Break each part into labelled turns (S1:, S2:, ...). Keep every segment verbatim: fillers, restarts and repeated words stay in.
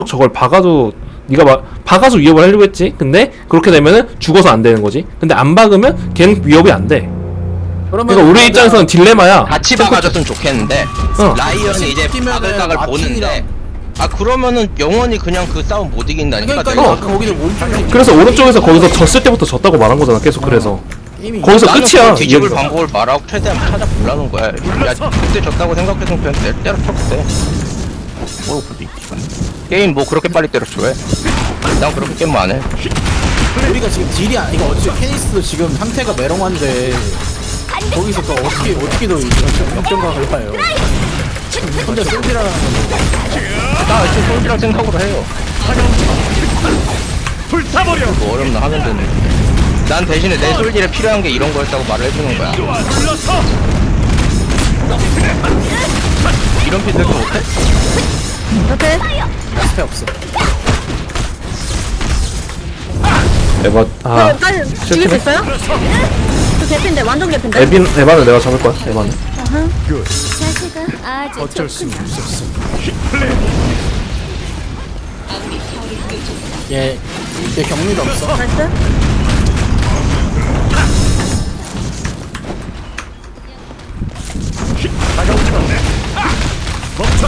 S1: 저걸 박아도 네가 막 박아서 위협을 하려고 했지. 근데 그렇게 되면은 죽어서 안 되는 거지. 근데 안 박으면 걔는 위협이 안 돼. 그러니까 우리 입장에서는 딜레마야.
S2: 같이 박아줬으면 좋겠는데
S1: 어.
S2: 라이언이 이제 박을각을 보는데 아 그러면은 영원히 그냥 그 싸움 못 이긴다니까.
S3: 그러니까
S2: 내가.
S3: 아까 거기서 오른쪽에
S1: 그래서 오른쪽에서 거기서 졌을 때부터 졌다고 말한 거잖아. 계속 그래서
S3: 이미
S1: 거기서
S2: 나는
S1: 끝이야.
S2: 그걸 뒤집을
S1: 이야기가.
S2: 방법을 말하고 최대한 찾아보려는 거야. 야 그때 졌다고 생각했으면 그냥 내 때려쳐 그때. 뭐 그래. 게임 뭐 그렇게 빨리 때려쳐 왜? 난 그렇게 게임 안 해.
S3: 우리가 지금 딜이 아 이거 어차피 케니스도 지금 상태가 메롱한데 거기서 또 어떻게 어떻게 더 역전각을 봐요. 혼자 쏠질하는 건데.
S2: 나 지금 솔직한 생각으로 해요.
S4: 불타버려.
S2: 뭐 어렵나 하면 되는데. 난 대신에 내 솔질에 필요한 게 이런 거였다고 말을 해주는 거야.
S4: 불러서
S2: 이런 피드도 못해?
S5: 어때?
S3: 스페 없어.
S1: 에바 아
S5: 저 빨리 죽일 수 있어요? 저 개핀데 완전 개핀데.
S1: 에빈 에바는 내가 잡을 거야. 에바는.
S6: 자세가 아주
S4: 어쩔 수
S6: 좋구나.
S4: 없었어.
S3: 얘, 얘 경리도 없어.
S5: 나이스.
S4: 다가오지 마. 멈춰.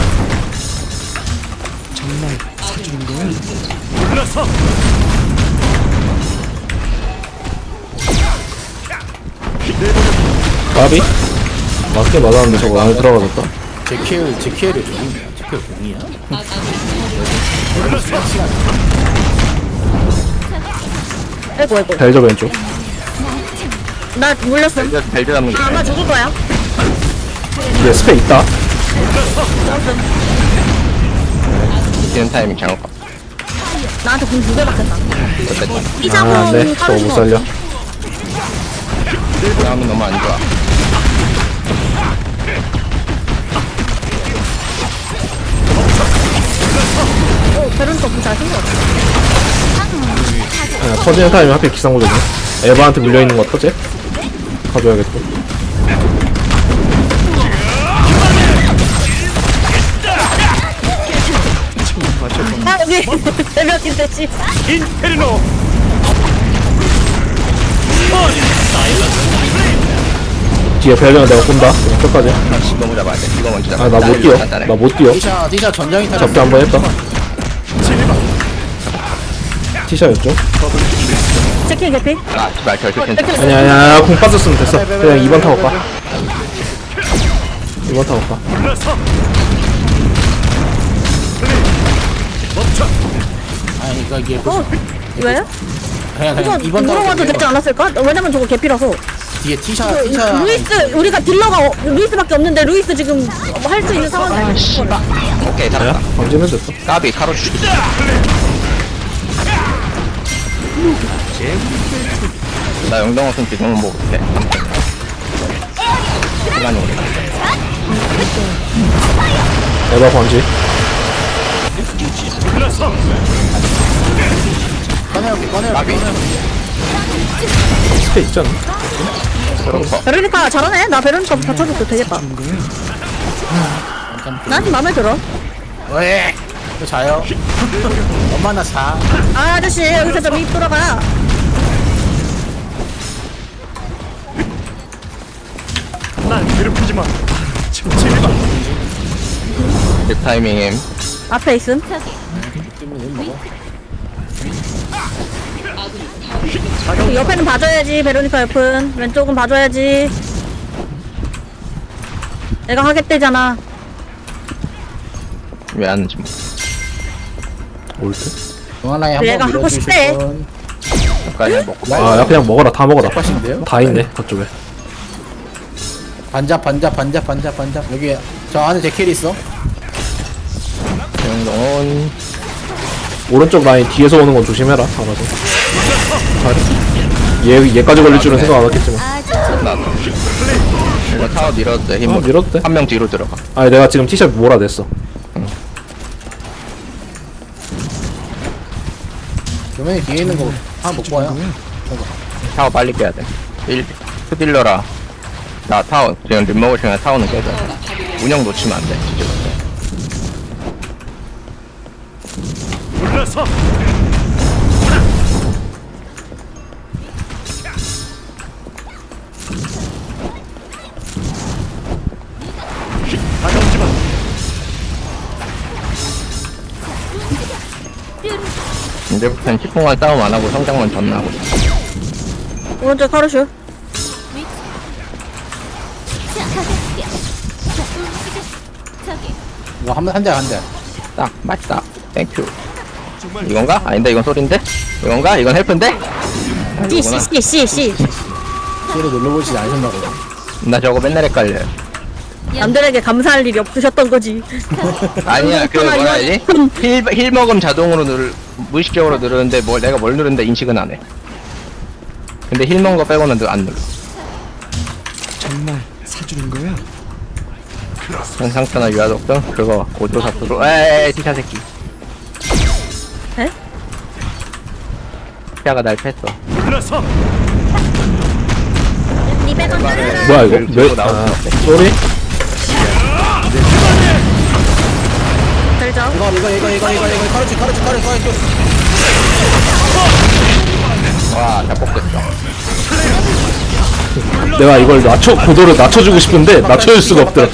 S4: 불러서
S1: 까비? 맞게 맞았는데 저거 안에 들어가졌다.
S3: 제키엘 제키엘이 종이야. 제키엘 종이야.
S4: 불러서
S5: 아이고 아이고.
S1: 벨저 왼쪽.
S5: 나 물렸어.
S2: 벨저 벨저 잡는 게.
S5: 아마 죽을 거야.
S1: 뒤에 스페 있다.
S2: 뛰는 타이밍 잘못 봐.
S5: 나한테 군 두 개 맞겠다.
S2: 어쨌든
S1: 아,
S5: 이사군
S1: 네. 저거 못
S5: 떨어지고.
S1: 살려.
S2: 싸움이 너무 안 좋아.
S5: 오 베론도 군잘 생겼어.
S1: 아, 터지는 타임이 하필 기상구조네. 에바한테 물려있는 거 어떠지? 가져야겠고.
S5: 아 여기 대벽인데 씨.
S4: 인페르노.
S1: 뒤에 벨저는 내가 쏜다. 그냥 끝까지.
S2: 아, 너무 잡아야 돼. 이거 먼저 잡아.
S1: 아 나 못 뛰어.
S2: 간단해.
S1: 나 못 뛰어.
S3: 디샤 디샤 전장이 타.
S1: 잡기 한번 했다. 티샤였죠?
S5: 체킹 개피.
S2: 아, 씨발 결국 괜찮아.
S5: 체킹.
S1: 아니야 아니야 아니야. 공 빠졌으면 됐어. 그냥 이 번 타고 가. 이 번 타고 가.
S4: 불러서 멈춰.
S3: 아니 그러니까 이게
S5: 어 왜?
S3: 그냥
S5: 이거
S3: 그냥 이번
S5: 물어봐도 되지 않았을까? 왜냐면 저거 개피라서.
S3: 뒤에 티샤
S5: 그,
S3: 티샤
S5: 루이스 우리가 딜러가 어- 루이스밖에 없는데 루이스 지금 할 수 있는 상황이 아니야.
S2: 오케이, 잡았다.
S1: 방지면 됐어.
S2: 까비, 카로 슈. 나 영동 없으면 지금은 뭐 못해. 시간이 오래.
S1: 에바 방지.
S4: 불러서
S3: 꺼내올게 꺼내올게.
S2: 까비.
S1: 스페 있잖아.
S2: 그렇고.
S5: 베로니카 잘하네. 나 베로니카 받쳐줘도 되겠다. 난 마음에 들어.
S3: 왜? 또 자요. 엄마 나 자.
S5: 아 아저씨 여기서 좀 입 돌아가.
S4: 날 괴롭히지 마. 침침해 봐.
S2: 립 타이밍임.
S5: 앞에 있음. 그 옆에는 봐줘야지. 베로니카 옆은 왼쪽은 봐줘야지. 내가 하겠대잖아.
S2: 왜 하는지 뭐.
S1: 올 때?
S3: 동아라에 한번
S5: 얘가 하고
S3: 밀어주실
S5: 싶대.
S3: 분.
S2: 여기까지 먹고.
S1: 아, 야 그냥 먹어라. 다 먹어라.
S3: 똑같인데요?
S1: 다 있네. 그쪽에.
S3: 반잡 반잡 반잡 반잡 반잡 여기 저 안에 제키엘 있어.
S2: 영동은
S1: 오른쪽 라인 뒤에서 오는 건 조심해라. 알아서. 얘 얘까지 걸릴 줄은 생각 안 했겠지만.
S6: 아주
S2: 나도. 이거 타워 밀어도 돼.
S1: 어,
S2: 힘으로.
S1: 밀어도 돼.
S2: 한 명 뒤로 들어가.
S1: 아니 내가 지금 티셔츠 몰아냈어.
S3: 교면이 뒤에 있는 거 하나 못 봐요.
S2: 타워 빨리 깨야 돼. 일, 스딜러라. 나 타워, 지금 립 먹을 시간에 타워는 깨져. 운영 놓치면 안 돼, 진짜.
S4: 물러서. 다가오지 마.
S2: 이제부터는 십 분간 싸움 안 하고 성장만 전나하고
S5: 오른쪽 카르슈.
S3: 이거 한한대한대
S2: 딱 맞다. 땡큐. 이건가? 아닌데 이건 소린데? 이건가? 이건 헬프인데? 아,
S5: C
S2: 이거구나.
S5: C C C C.
S3: C를 눌러보시지 않으셨나 보다.
S2: 나 저거 맨날 헷갈려요.
S5: 남들에게 감사할 일이 없으셨던 거지.
S2: 아니야 그 뭐라 해야지? 힐, 힐 먹음 자동으로 누르 무의식적으로 누르는데 뭘 내가 뭘 누르는데 인식은 안 해. 근데 힐 먹은 거 빼고는 안 눌러.
S4: 정말 사주는 거야?
S2: 현상태나 유아독 등 그거 고조사투로 에이 티샤 새끼.
S5: 에?
S2: 티샤가 날 팼어.
S4: 물러서.
S5: 이백 원 떨어져라.
S1: 뭐야 이거?
S2: 들고
S1: 왜?
S2: 나오고
S1: 아
S2: 있어.
S1: 쏘리?
S5: 들죠.
S3: 이거 이거 이거 이거 이거 이거 카르치 카르치 카르치 카르치.
S2: 와, 다 뽑혔어.
S1: 내가 이걸 낮춰 고도를 낮춰주고 싶은데 낮춰줄 수가 없더라.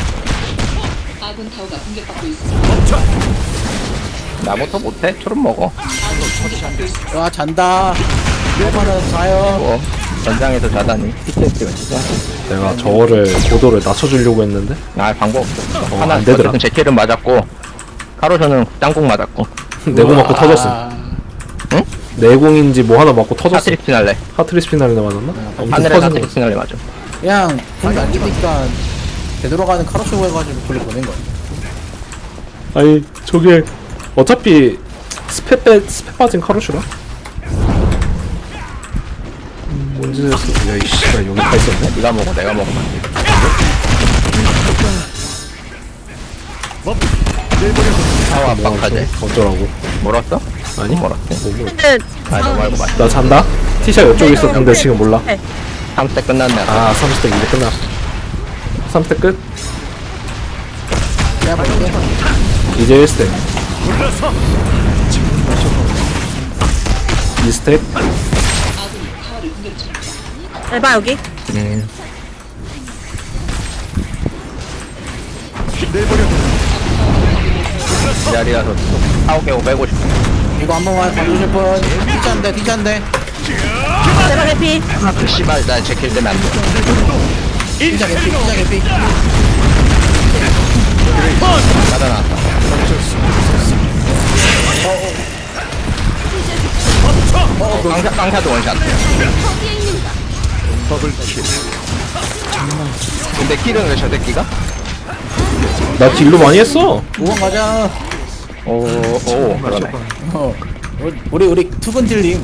S2: 나부터 못해? 초름 먹어.
S3: 와 잔다. 이거는 자요.
S2: 뭐 전장에서 자다니 피티에스가 진짜.
S1: 내가 저거를 고도를 낮춰주려고 했는데
S2: 아 방법 없어.
S1: 어,
S2: 하나
S1: 안 되더라.
S2: 어쨌든 제킬은 맞았고 카로저는 짱국 맞았고.
S1: 내공 맞고 터졌어.
S3: 아,
S1: 내공인지 뭐 하나 맞고 터졌어.
S2: 하트릭 피날레.
S1: 하트리스 피날레 맞았나? 엄청
S2: 하늘에
S1: 터진
S2: 하트릭
S1: 거.
S2: 피날레 맞아.
S3: 그냥 돈이 안 주니까 되돌아가는 카르치 해가지고 돌려 보낸 거야.
S1: 아니 저게 어차피 스펙 빼 스펙 빠진 카루슈라. 언제 됐어? 야이 씨발 여기 다 있었네.
S2: 네가 먹어 내가 먹으면 안 돼. 사와 압박하지.
S1: 어쩌라고?
S2: 멀었어?
S1: 아니?
S2: 멀었어.
S5: 근데
S2: 아 너 말고 맞.
S1: 나 잔다. 티샷 이쪽에 있었는데 지금 몰라.
S2: 삼 대 끝났네.
S1: 아 삼십 대 이제 끝났어. 삼 대 끝.
S3: 내가 볼게.
S1: 이제 일 스텝.
S4: 물러서.
S1: 이 스텝.
S5: 에바 여기.
S2: 음. 이 자리라서 사오 개고 빼고 싶어.
S3: 이거 한 번만 봐주실 분. 티찬데 티찬데.
S5: 에바 해피.
S2: 그 씨발 나 제킬 때문에 안 돼.
S3: 티찬 개피 티찬 개피.
S2: 맞아 나왔다. 어, 깡샤, 깡샤도 원샷.
S4: 더블킬.
S2: 근데 킬은 왜 저 새끼가?
S1: 나 딜로 많이 했어.
S3: 오번 가자.
S2: 오, 오, 그러네.
S3: 어. 우리 우리 투분 딜님.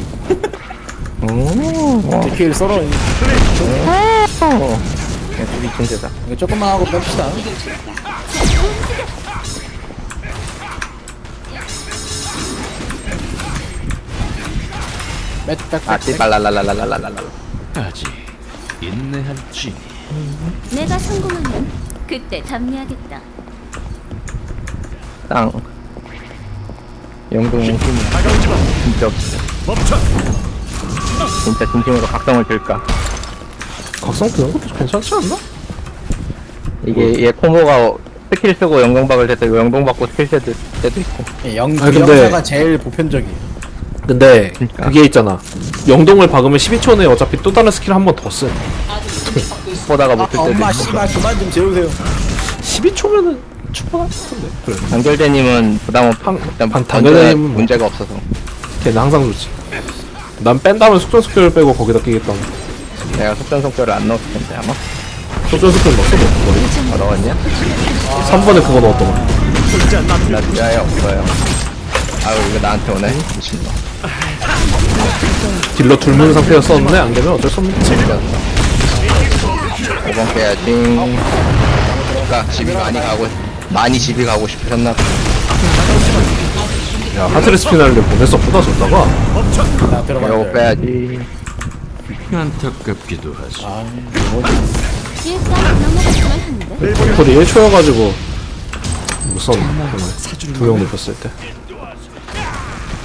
S2: 오,
S3: 킬 썰어.
S2: 오. 그냥 둘이 진짜다.
S3: 이거 조금만 하고 뺍시다.
S2: 아, 띠발랄랄랄랄랄랄랄.
S4: 아직 인내할지.
S6: 내가 성공하면 그때 답례하겠다.
S2: 땅. 영동 힘이
S4: 다가오지 마.
S2: 진짜 없어.
S4: 멈춰.
S2: 진짜 진심으로 각성을 들까?
S1: 각성 드는 것도 괜찮지 않나?
S2: 이게 얘 코모가 스킬 쓰고 영동박을 될 때고 영동 받고 스킬 쓸 때도 있고.
S3: 예, 영
S1: 아니, 근데-
S3: 영사가 제일 보편적이에요.
S1: 근데
S2: 그러니까.
S1: 그게 있잖아. 영동을 박으면 십이 초 내에 어차피 또 다른 스킬 한 번 더 쓴.
S2: 보다가
S3: 아,
S2: 못쓸 때도
S3: 엄마
S2: 있고.
S3: 씨발 그만 좀 재우세요.
S1: 십이 초면은 충분할 것 같은데. 그래.
S2: 단결대님은 부담 없.
S1: 한-
S2: 일단
S1: 반-
S2: 던전에
S1: 단결대님은 뭐-
S2: 문제가 없어서.
S1: 걔는 항상 좋지. 난 뺀다면 속전속결을 빼고 거기다 끼겠다.
S2: 내가 속전속결을 안 넣었을 텐데 아마.
S1: 속전속결 넣었어 뭐. 머리.
S2: 어, 넣었냐?
S1: 삼 번에 그거 넣었더만.
S2: 나 지하에 없어요. 아유 이거 나한테 오네. 미친놈.
S1: 딜러 둘문 상태였었는데 안 되면 어쩔 수 없는 거지.
S2: 오 번 깨야지. 그러니까 집이 많이 가고 많이 집이 가고 싶으셨나 봐.
S1: 야 하트레스 피날레 보냈었구나 저다가.
S3: 나
S2: 이거
S3: 들어가요.
S2: 빼야지.
S4: 안타깝기도 하지.
S3: 아,
S6: 일단 넘어갔으면 하는데.
S1: 콜이 일 초여가지고 무슨 두 명 높였을 때.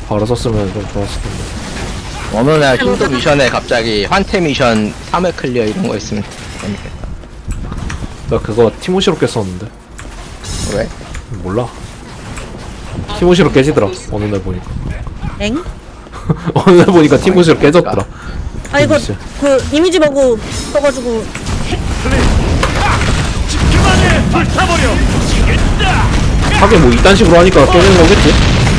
S1: 바로 썼으면 좀 좋았을 텐데.
S2: 어느 날 힐도 미션에 갑자기 환태 미션 삼 회 클리어 이런 거 있으면 재밌겠다.
S1: 나 그거 티모시로 깼었는데.
S2: 왜?
S1: 몰라. 티모시로 깨지더라. 어느 날 보니까.
S5: 엥?
S1: 어느 날 보니까 티모시로 깨졌더라.
S5: 아 이거
S1: 진짜.
S5: 그 이미지 보고 써가지고
S4: 그만해 불타버려.
S1: 하긴 뭐 이딴 식으로 하니까 깨지는 거겠지?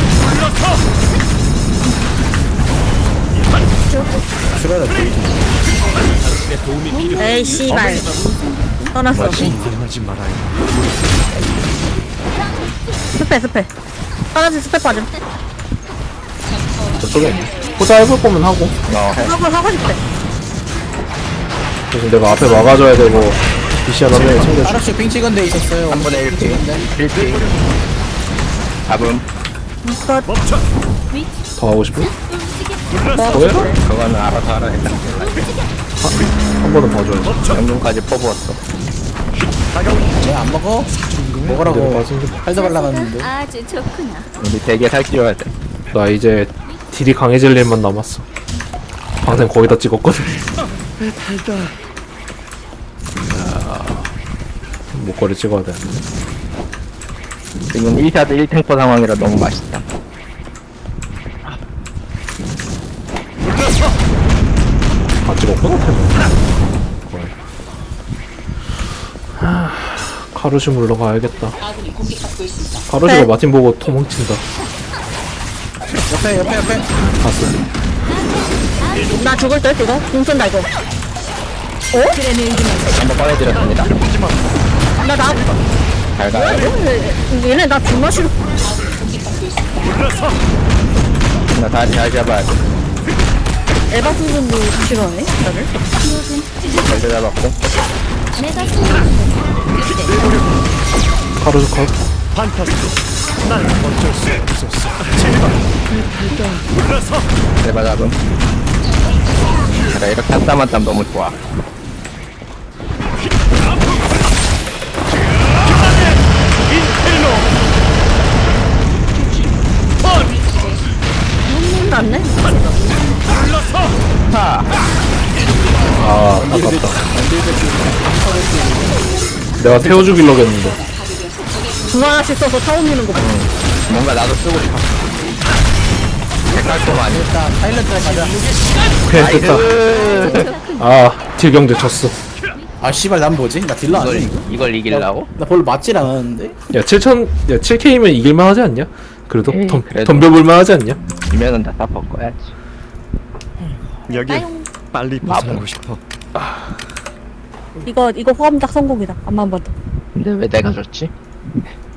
S5: 에이 씨발 떠났어.
S4: 인정하지 말아요.
S5: 스페 스페. 하나씩 스페 빠짐.
S1: 저쪽에 있네. 호자 해볼 거면 하고.
S2: 어, 해.
S5: 하고 하고 싶대.
S1: 대신 내가 앞에 막아줘야 되고 비시한 한 명이 챙겨줘.
S3: 아랍시 핑 찍은 데 있었어요.
S2: 한 번에 일 피. 일 피. 잡음.
S5: 컷.
S4: 멈춰.
S1: 더 하고 싶어?
S5: 뭐
S1: 뭐야?
S2: 그거는 알아서 하라 했다.
S1: 한 번은 봐줘야지.
S2: 영동까지 퍼부었어.
S3: 쟤안 먹어? 먹으라고
S1: 내가 봐준 게-
S3: 팔다 발라놨는데.
S6: 아주 좋구나.
S2: 우리 되게 살찌워야 돼.
S1: 나 이제 딜이 강해질 일만 남았어. 방생 거의 다 찍었거든. 야, 목걸이 찍어야 돼.
S2: 지금 일 샷 일 탱퍼 상황이라 너무 맛있다.
S1: 다 찍었구나. 거의. 하, 카루시 물러 가야겠다. 카루시가
S5: 네. 마틴
S1: 마틴 보고 도망친다.
S3: 옆에 옆에 옆에.
S1: 봤어.
S5: 나 죽을 듯 이거. 공 쏜다 이거.
S2: 한번 꺼내드렸습니다.
S5: 나 나.
S2: 잘 가요.
S5: 얘네 나 존나 싫어.
S2: 나 다시 잘 잡아야 돼.
S5: 에바 수준도 싫어해 다들.
S2: 잘 잡았고.
S6: 내가 성공하면 그때
S1: 카루시 컷.
S4: 판타스틱. 난 어쩔 수 없었어. 제발. 불러서.
S2: 제발 잡음. 그래, 이렇게 한 땀 한 땀 너무 좋아.
S5: 났네.
S2: 하!
S1: 아, 아깝다. 내가 태워 죽이려고 했는데.
S5: 두 하나씩 써서 타워 미는 거 봐.
S2: 뭔가 나도 쓰고 싶어. 색깔도
S3: 일단 사일런트를 가자.
S1: 오케이, 됐다. 아, 딜경제 졌어.
S3: 아 씨발 난 뭐지? 나 딜러
S2: 이걸,
S3: 아니야 이거?
S2: 이걸 이기려고?
S3: 나 별로 맞질 않았는데?
S1: 야, 칠천, 야, 칠 케이면 이길만 하지 않냐? 그래도
S2: 에이,
S1: 덤,
S2: 그래도.
S1: 덤벼볼만 하지 않냐?
S2: 이면은 다 덮어 꺼야지.
S4: 여기
S6: 빠용.
S4: 빨리 벗어나고 싶어.
S5: 이거 이거 호감작 성공이다. 안만 봐도.
S2: 근데 왜 내가 졌지?